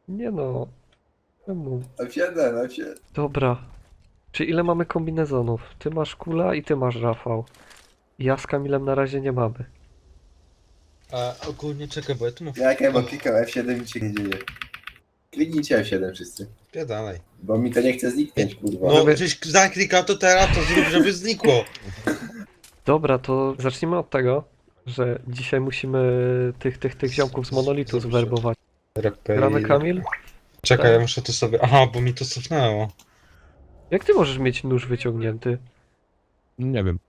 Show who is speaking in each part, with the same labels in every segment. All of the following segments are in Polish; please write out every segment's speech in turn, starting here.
Speaker 1: Nie no. Czemu?
Speaker 2: F7, F7.
Speaker 1: Dobra. Czy ile mamy kombinezonów? Ty masz Kula i ty masz Rafał. Ja z Kamilem na razie nie mamy.
Speaker 3: A ogólnie czekaj, bo ja tu mam...
Speaker 2: Jak ja bo klikam F7 i się nie dzieje. Kliknijcie F7 wszyscy.
Speaker 3: Dalej.
Speaker 2: Bo mi to nie chce zniknąć, kurwa.
Speaker 3: No, żeś zaklikał to teraz, to zrób, żeby znikło.
Speaker 1: Dobra, to zacznijmy od tego, że dzisiaj musimy tych ziomków z Monolitu zwerbować. Gramy Kamil?
Speaker 3: Czekaj, ja muszę to sobie... Aha, bo mi to cofnęło.
Speaker 1: Jak ty możesz mieć nóż wyciągnięty?
Speaker 4: Nie wiem.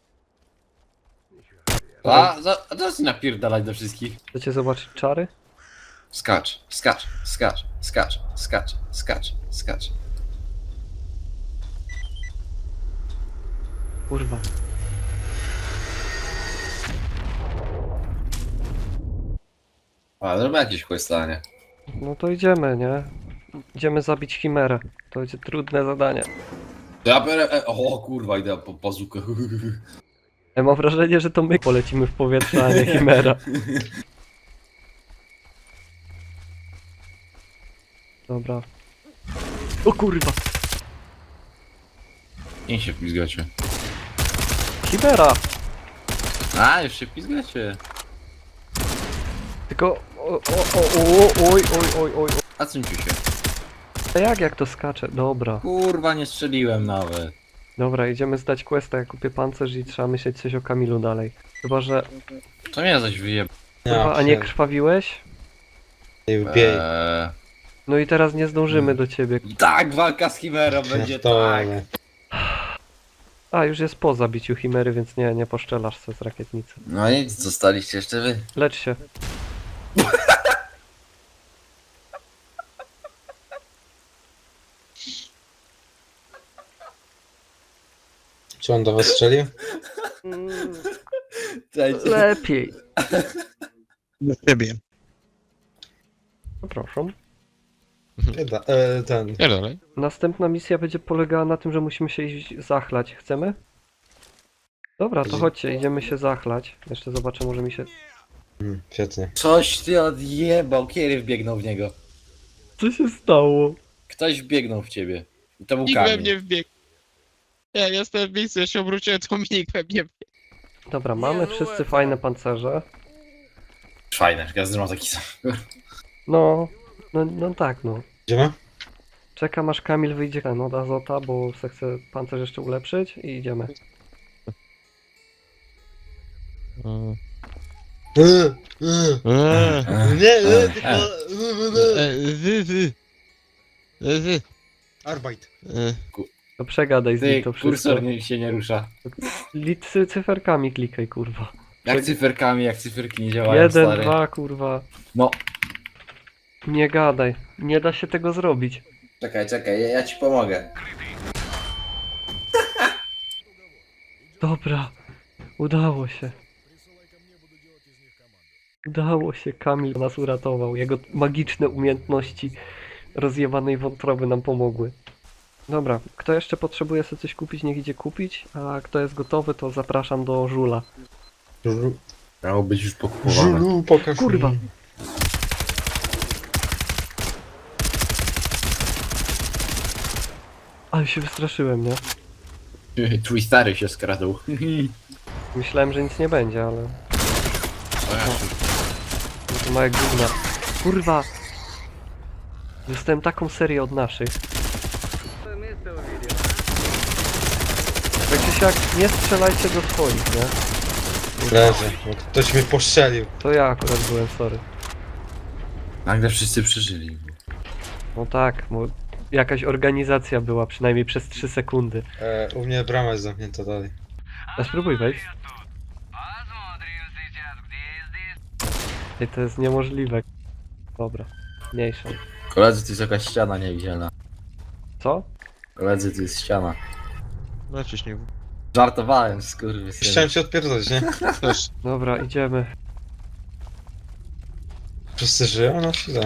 Speaker 5: A zaraz napierdalać do wszystkich.
Speaker 1: Chcecie zobaczyć czary?
Speaker 5: Skacz, skacz, skacz, skacz, skacz, skacz, skacz.
Speaker 1: Kurwa.
Speaker 5: A, zrobię jakieś questanie.
Speaker 1: No to idziemy, nie? Idziemy zabić Chimerę. To będzie trudne zadanie.
Speaker 5: Ja biorę, o kurwa, idę po bazukę.
Speaker 1: Ja mam wrażenie, że to my polecimy w powietrze, a nie Chimera. Dobra. O kurwa!
Speaker 5: Nie się pizgacie.
Speaker 1: Chimera!
Speaker 5: A, już się pizgacie.
Speaker 1: Tylko... Oj.
Speaker 5: A co się?
Speaker 1: A jak to skacze? Dobra.
Speaker 5: Kurwa, nie strzeliłem nawet.
Speaker 1: Dobra, idziemy zdać questa, ja kupię pancerz i trzeba myśleć coś o Kamilu dalej. Chyba, że...
Speaker 5: To mnie coś wyjeb...
Speaker 1: Kurwa, a nie krwawiłeś?
Speaker 3: Biej.
Speaker 1: No i teraz nie zdążymy do ciebie.
Speaker 5: Tak, walka z Chimerą będzie tak.
Speaker 1: A, już jest po zabiciu Chimery, więc nie poszczelasz se z rakietnicy.
Speaker 5: No i zostaliście jeszcze wy.
Speaker 1: Lecz się.
Speaker 3: Czy on do was strzelił?
Speaker 1: Lepiej.
Speaker 4: Do ciebie.
Speaker 1: Zapraszam.
Speaker 3: Ten...
Speaker 4: Ja dalej.
Speaker 1: Następna misja będzie polegała na tym, że musimy się iść zachlać. Chcemy? Dobra, to chodźcie, idziemy się zachlać. Jeszcze zobaczę, może mi się...
Speaker 3: Świetnie.
Speaker 5: Coś ty odjebał, kiedy wbiegnął w niego.
Speaker 1: Co się stało?
Speaker 5: Ktoś wbiegnął w ciebie. I to był
Speaker 4: Nikt we
Speaker 5: Kamil.
Speaker 4: mnie wbiegł. Ja jestem w miejscu, ja się obróciłem, to nikt we mnie wbiegł.
Speaker 1: Dobra, mamy wszyscy fajne pancerze.
Speaker 5: Fajne, każdy ma taki sam.
Speaker 1: No tak, no.
Speaker 3: Idziemy?
Speaker 1: Czekam aż Kamil wyjdzie od Azota, bo se chce pancerz jeszcze ulepszyć i idziemy.
Speaker 3: Nie, tylko... Arbeit.
Speaker 1: To przegadaj z
Speaker 5: Ty,
Speaker 1: nim to wszystko.
Speaker 5: kursor się nie rusza.
Speaker 1: Cyferkami klikaj, kurwa.
Speaker 5: Jak cyferkami, jak cyferki nie działają,
Speaker 1: 1,
Speaker 5: stary.
Speaker 1: 2, kurwa.
Speaker 5: No,
Speaker 1: Nie gadaj. Nie da się tego zrobić.
Speaker 2: Czekaj, ja ci pomogę.
Speaker 1: Dobra. Udało się. Udało się. Kamil nas uratował. Jego magiczne umiejętności rozjebanej wątroby nam pomogły. Dobra, kto jeszcze potrzebuje sobie coś kupić, niech idzie kupić, a kto jest gotowy, to zapraszam do Żula.
Speaker 5: miało być już pokupowane.
Speaker 3: Żulu, pokaż
Speaker 1: Kurwa.
Speaker 3: mi.
Speaker 1: Ale się wystraszyłem, nie?
Speaker 5: Twój stary się skradł.
Speaker 1: Myślałem, że nic nie będzie, ale...
Speaker 5: O ja się-
Speaker 1: No to małe gówna. Kurwa! Dostałem taką serię od naszych. Tak czy siak, nie strzelajcie do swoich, nie?
Speaker 3: Leży, bo ktoś mnie postrzelił.
Speaker 1: To ja akurat byłem, sorry.
Speaker 5: Nagle wszyscy przeżyli.
Speaker 1: No tak, bo jakaś organizacja była, przynajmniej przez 3 sekundy.
Speaker 3: U mnie brama jest zamknięta dalej.
Speaker 1: A spróbuj wejść. Ej, to jest niemożliwe. Dobra, mniejsza.
Speaker 5: Koledzy, to jest jakaś ściana niewidzialna.
Speaker 1: Co?
Speaker 5: Koledzy, to jest ściana.
Speaker 4: Lecisz nie
Speaker 5: Żartowałem, skurwysyn.
Speaker 3: Chciałem się odpierdolić, nie?
Speaker 4: też.
Speaker 1: Dobra, idziemy.
Speaker 3: Wszyscy żyją? No się da.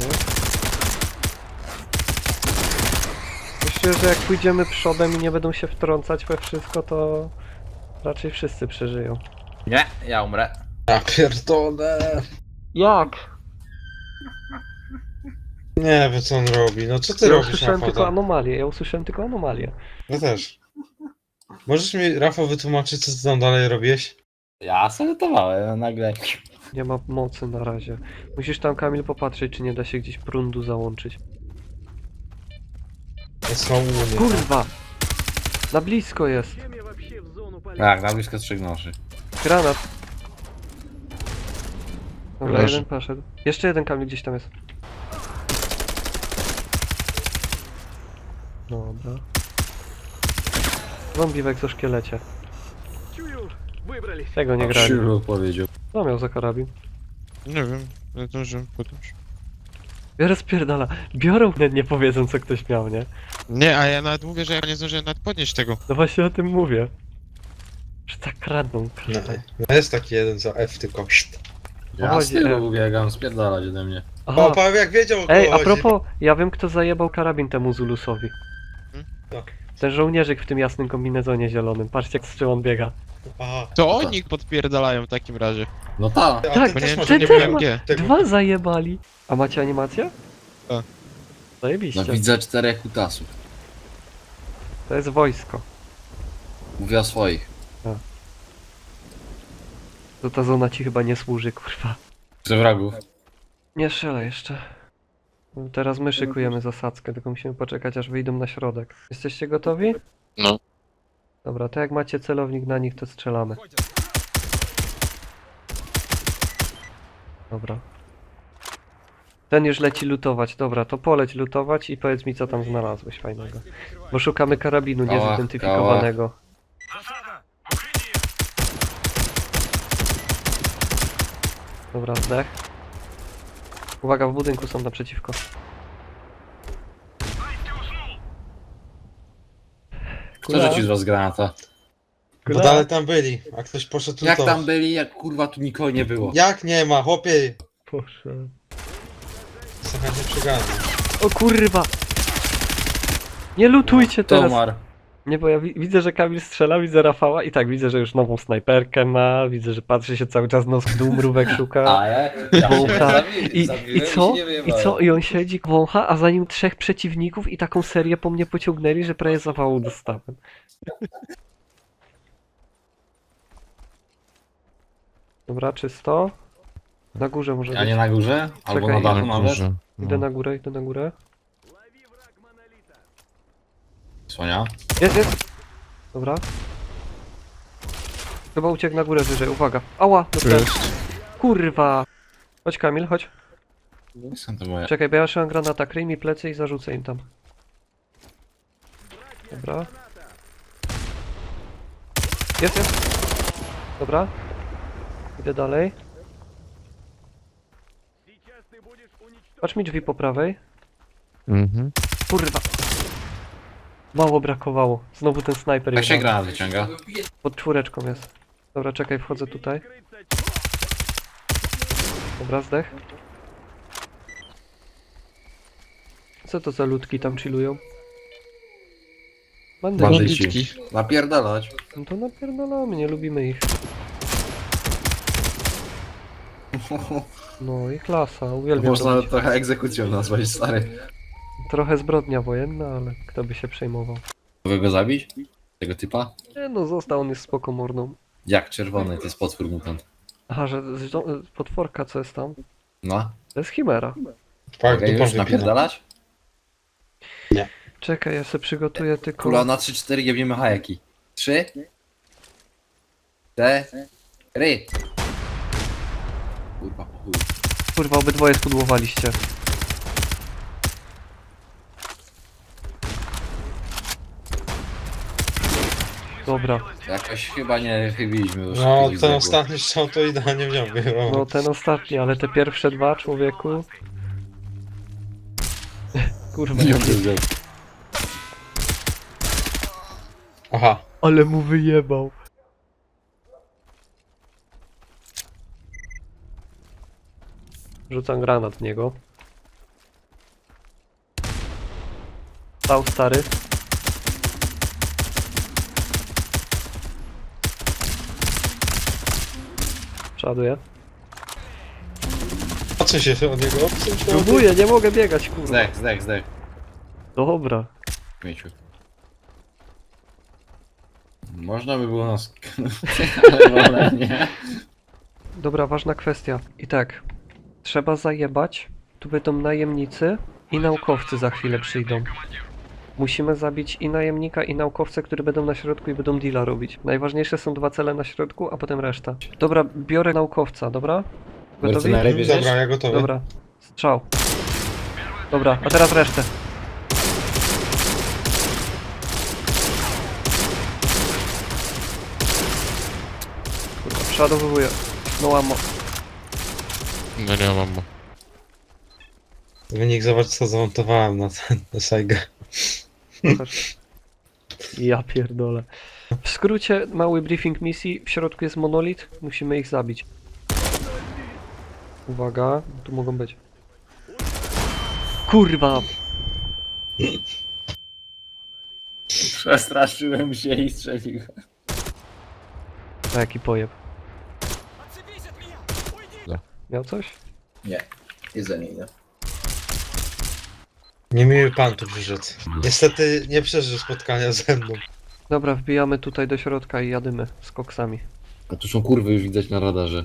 Speaker 1: Myślę, że jak pójdziemy przodem i nie będą się wtrącać we wszystko, to raczej wszyscy przeżyją.
Speaker 5: Nie, ja umrę.
Speaker 3: Ja pierdolę.
Speaker 1: Jak?
Speaker 3: Nie wiem co on robi, no co ty
Speaker 1: Ja
Speaker 3: robisz,
Speaker 1: usłyszałem
Speaker 3: Rafał?
Speaker 1: tylko anomalię, ja usłyszałem tylko anomalię.
Speaker 3: Ja też. Możesz mi, Rafał, wytłumaczyć, co ty tam dalej robiłeś?
Speaker 5: Ja saletowałem, a nagle...
Speaker 1: Nie ma mocy na razie. Musisz tam, Kamil, popatrzeć, czy nie da się gdzieś prądu załączyć.
Speaker 3: Jest mało mnie.
Speaker 1: Kurwa! Na blisko jest.
Speaker 5: Tak, na blisko 3 noży.
Speaker 1: Granat. Dobra,
Speaker 4: Leży.
Speaker 1: jeden poszedł. Jeszcze jeden, Kamil, gdzieś tam jest. Dobra. Zombie w egzoszkielecie. Tego nie grali.
Speaker 5: Krzyżu powiedział.
Speaker 1: Co miał za karabin?
Speaker 4: Nie wiem, ale to, że podróż.
Speaker 1: Biorę spierdala. Biorą, nie powiedzą, co ktoś miał, nie?
Speaker 4: Nie, a ja nawet mówię, że ja nie zdążyłem nawet podnieść tego.
Speaker 1: No właśnie o tym mówię. Że tak kradną.
Speaker 3: No, no jest taki jeden za F tylko.
Speaker 5: Ja
Speaker 1: Chodzi,
Speaker 5: z tyłu biegam, spierdalać ode mnie.
Speaker 1: Aha.
Speaker 3: O, Paweł jak wiedział o kogo
Speaker 1: Ej, a
Speaker 3: chodzi.
Speaker 1: propos, ja wiem, kto zajebał karabin temu Zulusowi.
Speaker 3: Tak.
Speaker 1: Ten żołnierzyk w tym jasnym kombinezonie zielonym. Patrzcie, z czym on biega.
Speaker 3: Aha.
Speaker 4: To oni podpierdalają w takim razie.
Speaker 5: No ta.
Speaker 3: A
Speaker 1: Tak,
Speaker 3: ty
Speaker 4: bo nie
Speaker 3: też
Speaker 4: wiem,
Speaker 3: masz
Speaker 4: czy
Speaker 1: Ty
Speaker 4: nie
Speaker 1: też
Speaker 4: byłem
Speaker 1: ma...
Speaker 4: gdzie.
Speaker 3: tego.
Speaker 1: Dwa zajebali. A macie animację?
Speaker 4: Tak.
Speaker 1: Zajebiście.
Speaker 5: No widzę 4 kutasów.
Speaker 1: To jest wojsko.
Speaker 5: Mówię o swoich.
Speaker 1: To ta zona ci chyba nie służy, kurwa.
Speaker 5: Przy wrogów.
Speaker 1: Nie strzelaj jeszcze. Teraz my szykujemy zasadzkę, tylko musimy poczekać, aż wyjdą na środek. Jesteście gotowi?
Speaker 4: No.
Speaker 1: Dobra, to jak macie celownik na nich, to strzelamy. Dobra. Ten już leci lutować. Dobra, to poleć lutować i powiedz mi, co tam znalazłeś fajnego. Bo szukamy karabinu
Speaker 5: Kała,
Speaker 1: niezidentyfikowanego. Dobra, zdech. Uwaga, w budynku są naprzeciwko.
Speaker 5: Kto rzucił z was granata?
Speaker 3: Bo dalej tam byli, a ktoś poszedł tu
Speaker 5: Jak
Speaker 3: to.
Speaker 5: tam byli, jak kurwa tu nikogo nie było?
Speaker 3: Jak nie ma, chłopie!
Speaker 1: Proszę.
Speaker 3: Słuchaj, nie przegadam.
Speaker 1: O kurwa! Nie lutujcie teraz!
Speaker 5: Tomar.
Speaker 1: Nie, bo ja widzę, że Kamil strzela, widzę Rafała i tak, widzę, że już nową snajperkę ma, widzę, że patrzy się cały czas nos w dół, mrówek szuka.
Speaker 5: A ja?
Speaker 1: Wącha. I co? I co? I on siedzi, wącha, a za nim 3 przeciwników i taką serię po mnie pociągnęli, że prawie zawału dostałem. Dobra, czysto. Na górze może
Speaker 5: A nie
Speaker 1: być.
Speaker 5: na górze? Albo
Speaker 1: Czekaj,
Speaker 5: na dachu nawet?
Speaker 1: Idę na górę, idę na górę.
Speaker 5: Słania?
Speaker 1: Jest! Dobra. Chyba uciekł na górę wyżej, uwaga. Ała, dostałem. Kurwa. Chodź Kamil, chodź.
Speaker 5: Skąd to moje?
Speaker 1: Czekaj, bo ja trzymam granata, kryj mi plecy i zarzucę im tam. Dobra. Jest. Dobra. Idę dalej. Patrz mi drzwi po prawej.
Speaker 4: Mhm.
Speaker 1: Kurwa. Mało brakowało. Znowu ten snajper
Speaker 5: Jak się
Speaker 1: jebany.
Speaker 5: granat wyciąga?
Speaker 1: Pod 4 jest. Dobra, czekaj, wchodzę tutaj. Dobra, zdech. Co to za ludki tam chillują?
Speaker 5: Bandyci. Napierdalać.
Speaker 1: No to napierdolamy, nie lubimy ich. No i klasa, uwielbiam to.
Speaker 5: Można trochę egzekucją nazwać, stary.
Speaker 1: Trochę zbrodnia wojenna, ale kto by się przejmował.
Speaker 5: Mogę go zabić? Tego typa?
Speaker 1: Nie no, został, on jest spoko mordą.
Speaker 5: Jak czerwony, to jest potwór mutant.
Speaker 1: Aha, że potworka co jest tam?
Speaker 5: No.
Speaker 1: To jest chimera.
Speaker 3: Tak,
Speaker 5: Mogę
Speaker 3: dupą
Speaker 5: już
Speaker 3: wypina.
Speaker 5: napierdalać?
Speaker 1: Czekaj, ja sobie przygotuję tylko...
Speaker 5: Kula na 3-4 jebniemy hajeki. 3 4 Kurwa, po chuj.
Speaker 1: Kurwa, obydwoje spudłowaliście. Dobra,
Speaker 5: Jakoś chyba nie chybiliśmy już.
Speaker 3: No,
Speaker 5: takich
Speaker 3: ten
Speaker 5: zległych.
Speaker 3: ostatni strzał to idealnie wziął.
Speaker 1: no ten ostatni, ale te pierwsze dwa, człowieku... Kurwa,
Speaker 5: Nie wiem.
Speaker 3: Aha.
Speaker 1: ale mu wyjebał. Rzucam granat w niego. Stał stary. Przeładuję.
Speaker 3: Odsuń się od niego, odsuń się od niego.
Speaker 1: Próbuję, nie mogę biegać, kurwa.
Speaker 5: Zdech.
Speaker 1: Dobra.
Speaker 5: Mieciu. Można by było nas... ale wolę nie.
Speaker 1: Dobra, ważna kwestia. I tak, trzeba zajebać. Tu będą najemnicy i naukowcy za chwilę przyjdą. Musimy zabić i najemnika, i naukowcę, którzy będą na środku i będą deala robić. Najważniejsze są 2 cele na środku, a potem reszta. Dobra, biorę naukowca, dobra? Gotowi?
Speaker 2: Mercenary bierzesz?
Speaker 3: Dobra, ja gotowy.
Speaker 1: Dobra, strzał. Dobra, a teraz resztę. Kurwa, przeładowuję. No łamo.
Speaker 4: No nie mam.
Speaker 3: Wynik zobacz co zamontowałem na ten, na Saigę.
Speaker 1: Ja pierdolę. W skrócie, mały briefing misji. W środku jest monolit. Musimy ich zabić. Uwaga, tu mogą być. Kurwa!
Speaker 2: Przestraszyłem się i strzeliłem.
Speaker 1: A jaki pojeb.
Speaker 4: No.
Speaker 1: Miał coś?
Speaker 2: Nie, jedzenie idę.
Speaker 3: Niemiły pan tu przyszedł. Niestety nie przeżył spotkania ze mną.
Speaker 1: Dobra, wbijamy tutaj do środka i jadymy z koksami.
Speaker 5: A tu są kurwy już widać na radarze.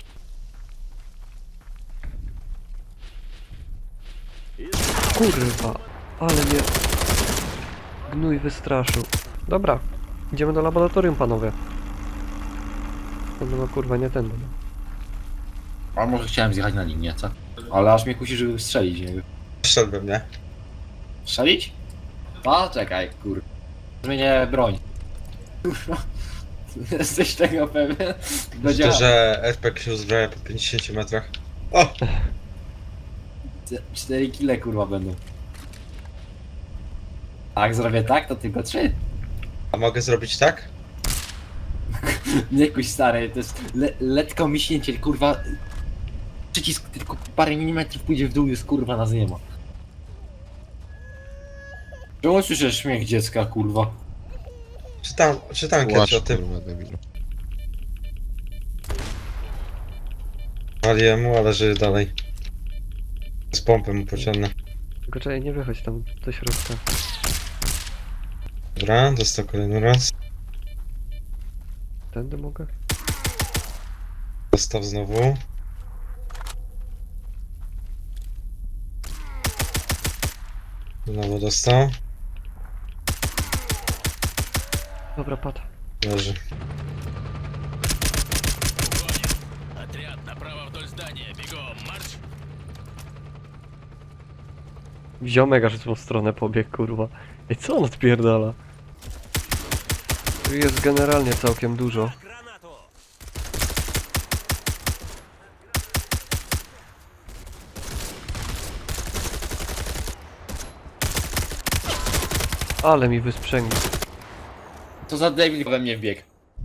Speaker 1: Kurwa, ale mnie gnój wystraszył. Dobra, idziemy do laboratorium, panowie. No kurwa, nie tędy.
Speaker 5: A może chciałem zjechać na linię, co? Ale aż mnie kusi, żeby strzelić, nie?
Speaker 3: Wszedłbym, nie?
Speaker 5: Strzelić? A, czekaj, kur... Zmienię broń. Kurwa. Jesteś tego pewien?
Speaker 3: Myślę, że RPG się uzbraja po 50 metrach. O!
Speaker 5: 4 kile kurwa będą. A jak zrobię tak, to tylko 3.
Speaker 3: A mogę zrobić tak?
Speaker 5: Nie kuś stary, to jest letko miśnięcie, kurwa. Przycisk tylko parę milimetrów pójdzie w dół, jest kurwa nas nie ma. Czemu słyszysz śmiech dziecka, kurwa?
Speaker 3: Czytam kiedyś
Speaker 4: Płacz,
Speaker 3: o tym.
Speaker 4: kurwa, debilu.
Speaker 3: Waliłem mu, ale żyje dalej. Z pompy mu pociągnę.
Speaker 1: Tylko czekaj, nie wychodź tam do środka.
Speaker 3: Dobra, dostał kolejny raz.
Speaker 1: Tędy mogę?
Speaker 3: Dostał znowu. Znowu dostał.
Speaker 1: Dobra, padł.
Speaker 3: Leży.
Speaker 1: Ziomek aż w tą stronę pobiegł, kurwa. Ej, co on odpierdala? Tu jest generalnie całkiem dużo. Ale mi wysprzęgł.
Speaker 5: To za debil we mnie wbiegł.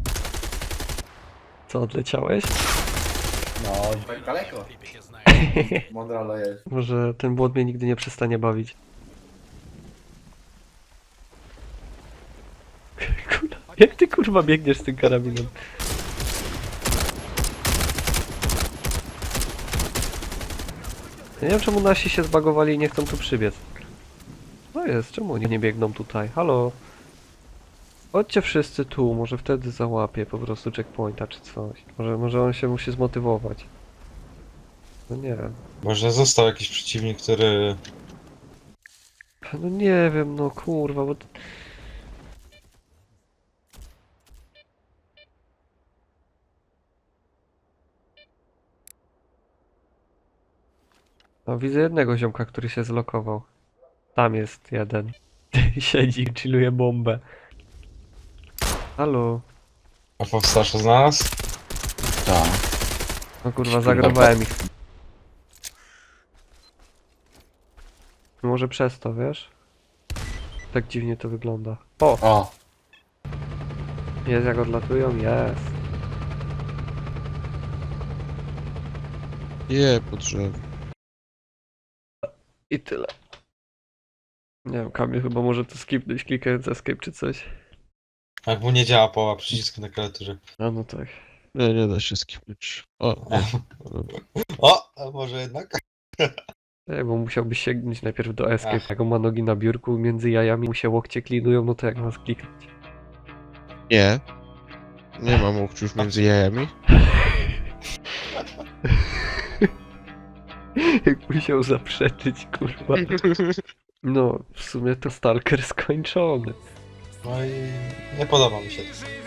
Speaker 1: Co, odleciałeś?
Speaker 5: No, daleko. Mądralo jest.
Speaker 1: Może ten błąd mnie nigdy nie przestanie bawić. Kurwa, jak ty kurwa biegniesz z tym karabinem? Ja nie wiem czemu nasi się zbagowali i nie chcą tu przybiec. No jest, czemu oni nie biegną tutaj? Halo? Chodźcie wszyscy tu, może wtedy załapię po prostu checkpointa czy coś. Może on się musi zmotywować. No nie wiem.
Speaker 3: Może został jakiś przeciwnik, który...
Speaker 1: No nie wiem, no kurwa, bo... No widzę jednego ziomka, który się zlokował. Tam jest jeden. Siedzi i chilluje bombę. Halo?
Speaker 3: A powstarza znalazł?
Speaker 5: Tak.
Speaker 1: No kurwa, zagrowałem ich. Może przez to, wiesz? Tak dziwnie to wygląda. O!
Speaker 5: O,
Speaker 1: Jest jak odlatują? Jest.
Speaker 4: Je, po drzewie.
Speaker 1: I tyle. Nie wiem, Kamil chyba może to skipnąć, klikając escape czy coś.
Speaker 3: Jak mu nie działa połowa przycisku na klawiaturze.
Speaker 1: A no tak.
Speaker 4: Nie, nie da się skipnąć. O, nie.
Speaker 3: O, a może jednak?
Speaker 1: Bo musiałbyś sięgnąć najpierw do escape. Jak on ma nogi na biurku, między jajami mu się łokcie klinują, no to jak masz kliknąć?
Speaker 4: Nie. Nie mam łokciów między jajami.
Speaker 1: Jak musiał zaprzeczyć, kurwa. No, w sumie to Stalker skończony.
Speaker 3: No i nie podoba mi się to.